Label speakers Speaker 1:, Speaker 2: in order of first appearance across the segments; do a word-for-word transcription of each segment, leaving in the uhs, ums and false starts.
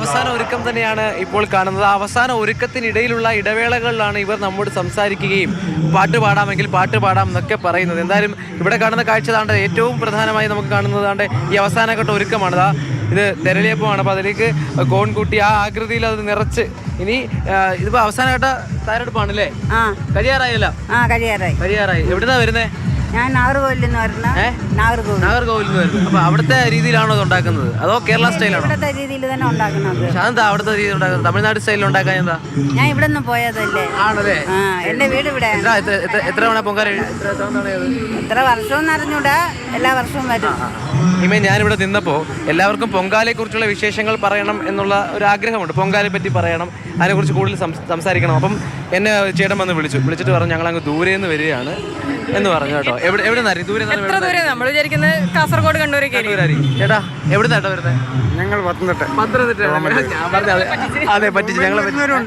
Speaker 1: അവസാന ഒരുക്കം തന്നെയാണ് ഇപ്പോൾ കാണുന്നത്. അവസാന ഒരുക്കത്തിനിടയിലുള്ള ഇടവേളകളിലാണ് ഇവർ നമ്മോട് സംസാരിക്കുകയും പാട്ട് പാടാമെങ്കിൽ പാട്ട് പാടാം എന്നൊക്കെ പറയുന്നത്. എന്തായാലും ഇവിടെ കാണുന്ന കാഴ്ച താണ്ട് ഏറ്റവും പ്രധാനമായി നമുക്ക് കാണുന്നത് താണ്ട് ഈ അവസാനഘട്ട ഒരുക്കമാണ്. ദാ ഇത് തെരളിയപ്പമാണ്. അപ്പോൾ അതിലേക്ക് കോൺ കൂട്ടി ആ ആകൃതിയിൽ അത് നിറച്ച് ഇനി ഇതിപ്പോൾ അവസാനഘട്ട തയ്യാറെടുപ്പാണല്ലേ?
Speaker 2: ആ
Speaker 1: കഴിയാറായല്ലോ.
Speaker 2: ആ കഴിയാറായി
Speaker 1: കഴിയാറായി. എവിടുന്നാ വരുന്നേ?
Speaker 2: ഞാൻ നാഗർകോവിലിൽ നിന്ന് വരുന്ന നാഗർകോവിൽ
Speaker 1: നാഗർകോവിൽ നിന്ന് വരുന്നത്. അപ്പൊ അവിടുത്തെ രീതിയിലാണോ ഇത് ഉണ്ടാക്കുന്നത് അതോ കേരള സ്റ്റൈലാണോ?
Speaker 2: ഇവിടുത്തെ രീതിയിൽ തന്നെ ഉണ്ടാക്കുന്നത്.
Speaker 1: അതെന്താ അവിടുത്തെ രീതി ഉണ്ടാക്കുന്നത്? തമിഴ്നാട് സ്റ്റൈലിൽ ഉണ്ടാക്കാൻ എന്താ?
Speaker 2: ഞാൻ ഇവിടെ നിന്ന് പോയതല്ലേ.
Speaker 1: ആണല്ലേ?
Speaker 2: ആ എന്റെ വീട് ഇവിടെ.
Speaker 1: എത്ര തവണ പൊങ്കാല?
Speaker 2: എത്ര വർഷവും അറിഞ്ഞൂടാ, എല്ലാ വർഷവും വരും.
Speaker 1: ഇമേ ഞാനിവിടെ നിന്നപ്പോൾ എല്ലാവർക്കും പൊങ്കാലയെ കുറിച്ചുള്ള വിശേഷങ്ങൾ പറയണം എന്നുള്ള ഒരു ആഗ്രഹമുണ്ട്. പൊങ്കാലയെ പറ്റി പറയണം, അതിനെക്കുറിച്ച് കൂടുതൽ സംസാരിക്കണം. അപ്പം എന്നെ ചേട്ടൻ വന്ന് വിളിച്ചു. വിളിച്ചിട്ട് പറഞ്ഞു ഞങ്ങൾ അങ്ങ് ദൂരെ നിന്ന് വരികയാണ് എന്ന് പറഞ്ഞു കേട്ടോ. എവിടെ എവിടെ നിന്നായിരുന്നു? ദൂരെ
Speaker 3: നമ്മൾ വിചാരിക്കുന്നത് കാസർഗോഡ് കണ്ണൂരൊക്കെ.
Speaker 1: ചേട്ടാ എവിടെ നിന്നാട്ടോ വരുന്നത്?
Speaker 4: ഞങ്ങൾ പത്തനംതിട്ട.
Speaker 1: പത്തനംതിട്ട. ഞാൻ പറഞ്ഞത് അതെ പറ്റിച്ച്. ഞങ്ങൾ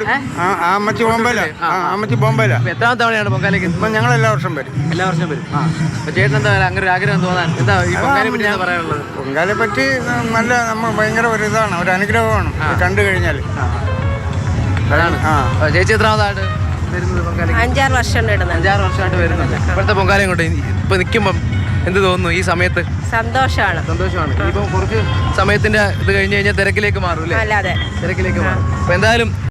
Speaker 1: എത്രാം തവണയാണ് പൊങ്കാലയ്ക്ക്?
Speaker 4: ഞങ്ങൾ എല്ലാ വർഷം വരും.
Speaker 1: എല്ലാ വർഷം വരും. ആ അപ്പൊ ചേട്ടൻ എന്താ അങ്ങനെ ഒരു ആഗ്രഹം തോന്നാൻ എന്താ ഈ പൊങ്കാലയെ പറ്റി എന്താ പറയാനുള്ളത്?
Speaker 4: പൊങ്കാലയെ പറ്റി നല്ല നമ്മൾ ഭയങ്കര ഒരു ഇതാണ്, ഒരു അനുഗ്രഹമാണ് കണ്ടു കഴിഞ്ഞാൽ.
Speaker 1: അതാണ്. ചേച്ചി എത്രാമതായിട്ട് വരുന്നത് പൊങ്കാല?
Speaker 3: അഞ്ചാറ് വർഷം
Speaker 1: അഞ്ചാറ് വർഷമായിട്ട് വരുന്നുണ്ട്. ഇപ്പോഴത്തെ പൊങ്കാലയും കൊണ്ട് ഇപ്പൊ നിൽക്കുമ്പം എന്ത് തോന്നുന്നു ഈ സമയത്ത്?
Speaker 3: സന്തോഷമാണ്.
Speaker 1: സന്തോഷമാണ്. ഇപ്പം കുറച്ച് സമയത്തിന്റെ ഇത് കഴിഞ്ഞ് കഴിഞ്ഞാൽ തിരക്കിലേക്ക് മാറും അല്ലേ?
Speaker 3: അല്ലാതെ
Speaker 1: തിരക്കിലേക്ക് മാറും. അപ്പൊ എന്തായാലും